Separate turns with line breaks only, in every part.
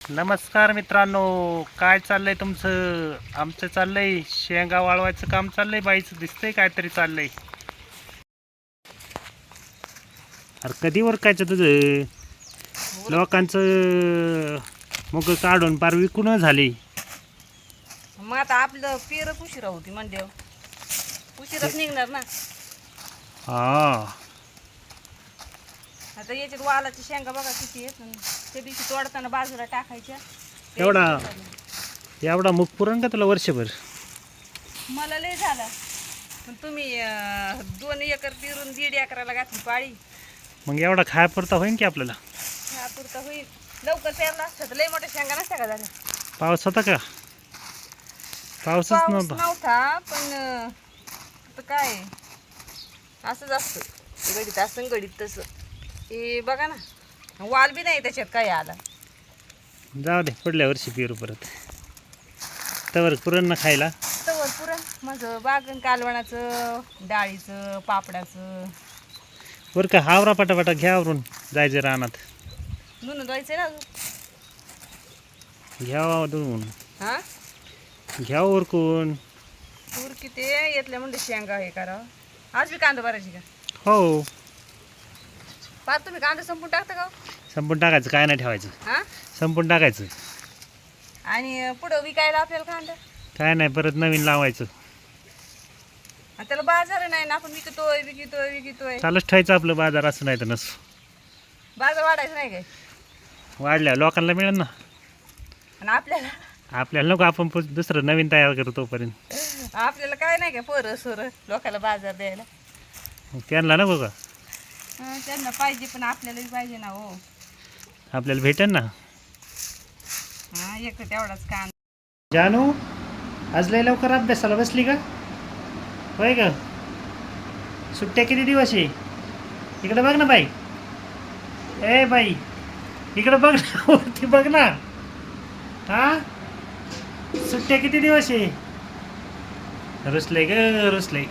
नमस्कार मित्रांनो, काय चाललंय तुमचं? आमचं चाललंय शेंगा वाळवायचं काम चाललंय. बाईचं दिसतंय काहीतरी चाललंय. अरे कधी वरकायचं तुझं? लोकांचं मग काढून पार विकून झाले.
मग आता आपलं पेरच उशिरा होती म्हणजे उशिराच निघणार ना.
हा
आता याच्यात वालाच्या शेंगा बघा किती आहेत. त्या दिवशी तोडताना बाजूला टाकायच्या.
एवढा मुख पुरण का तुला वर्षभर?
मला लय झालं, पण तुम्ही 2 एकर पेरून 1.5 एकराला घातली पाळी.
मग एवढा खायापुरता होईन की आपल्याला?
ह्यापुरता होईल. लवकर पेरला असतं तर लय मोठ्या शेंगा नसत्या का झाल्या.
पाऊस होता का? पाऊसच
पाऊस
नव्हता.
नव्हता, पण आता काय असंच असतं. गडीत असं गडीत तसं. हे बघा ना, वाल बी नाही त्याच्यात काय आला.
जाऊ दे, पुढल्या वर्षी पेरू परत. तवर पुरण ना खायला.
तवर पुरण माझं बागन कालवणाचं, डाळीचं, पापडाचं.
बरं का, हावरा पटापटा घ्यावरून जायचं रानात.
धुणं धुवायचं ना अजून.
घ्यावा धुवून,
हा
घ्यावं उरकून.
तूर किती येतल्या म्हणजे शेंगा हे करावं. आज बी कांदा भरायची का?
हो,
पार तुम्ही कांदा संपून टाकता का?
संपून टाकायचं, काय नाही ठेवायचं.
हा
संपून टाकायचं,
आणि पुढं विकायला आपल्याला कांदा.
काय नाही, परत नवीन लावायचं.
आणि त्याला बाजार नाही ना, आपण विकतोय.
चालूच ठेवायचं आपलं बाजार, असं नाही तर नसो.
बाजार वाढायचं नाही काय?
वाढल्या लोकांना मिळेल ना.
आणि
आपल्याला नको, आपण दुसरं नवीन तयार करू तोपर्यंत.
आपल्याला काय नाही का पोरं सोरं लोकांना बाजार द्यायला.
मग त्यांना नको का?
त्यांना पाहिजे, पण आपल्यालाही पाहिजे ना हो.
आपल्याला भेटेल ना.
हा, एक तेवढाच कांदा.
जानू, आज लय लवकर अभ्यासाला बसली का? होय का? सुट्ट्या किती दिवस आहे? इकडे बघ ना बाई. ए बाई, इकडे बघ ना, वरती बघ ना. हा, सुट्ट्या किती दिवस आहे? रुसले ग रुसले.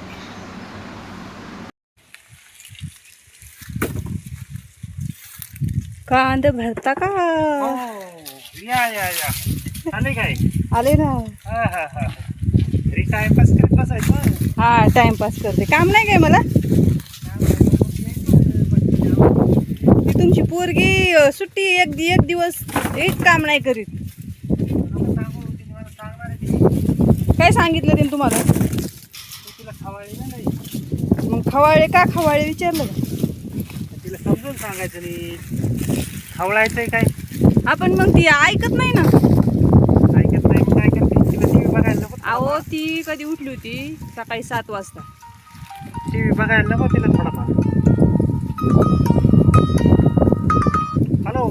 कांदा भरता का?
या या या, आले काय?
आले ना.
हा हा हा, घरी टाइमपास करत बसायचं.
हा, टाइमपास करते. काम नाही काय मला? ती तुमची पोरगी सुट्टी एक दिवस एक काम नाही करीत. काय सांगितलं तिने तुम्हाला?
तिला खवाळली ना नाही.
मग खवाळे का खवाळे विचारलं का?
तिला समजून सांगायचं नाही, खवळायचंय काय.
आपण मग ती ऐकत नाही ना.
ऐकत नाही, मग काय करते? तिला टीव्ही बघायला नको?
अहो, ती कधी उठली होती? सकाळी 7 वाजता.
टीव्ही बघायला नको तिला थोडाफार? हॅलो,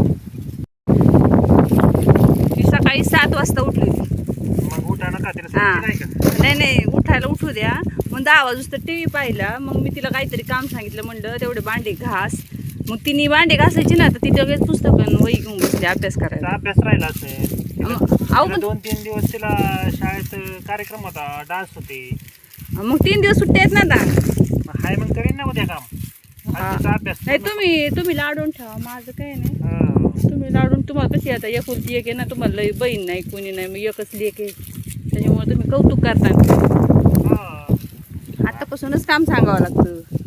ती सकाळी 7 वाजता उठली होती.
मग उठा नका तिला
हा,
सांगितलं नाही का?
नाही उठायला उठू द्या. मग 10 वाजता टीव्ही पाहिला. मग मी तिला काहीतरी काम सांगितलं, म्हणलं तेवढे भांडे घास. मग तिने भांडे घासायची ना, तर ती लगेच पुस्तकं वही घेऊन बसली अभ्यास करायला.
अभ्यास राहिला असेल.
अहो,
2-3 दिवस तिला शाळेत कार्यक्रम होता, डान्स होते.
मग 3 दिवस सुट्ट्या आहेत ना आता.
हाय, मग करीन ना उद्या काम. आज तिचा अभ्यास
नाही, तुम्ही लाडून ठेवा, माझं काय नाही.
हा.
तुम्ही लाडून, तुम्हाला कशी आता एकुलती एक आहे ना, तुम्हाला लई बहीण नाही, कोणी नाही, मग एकच लेक आहे. त्याच्यामुळे तुम्ही कौतुक करता.
हा.
आतापासूनच काम सांगावं लागतं.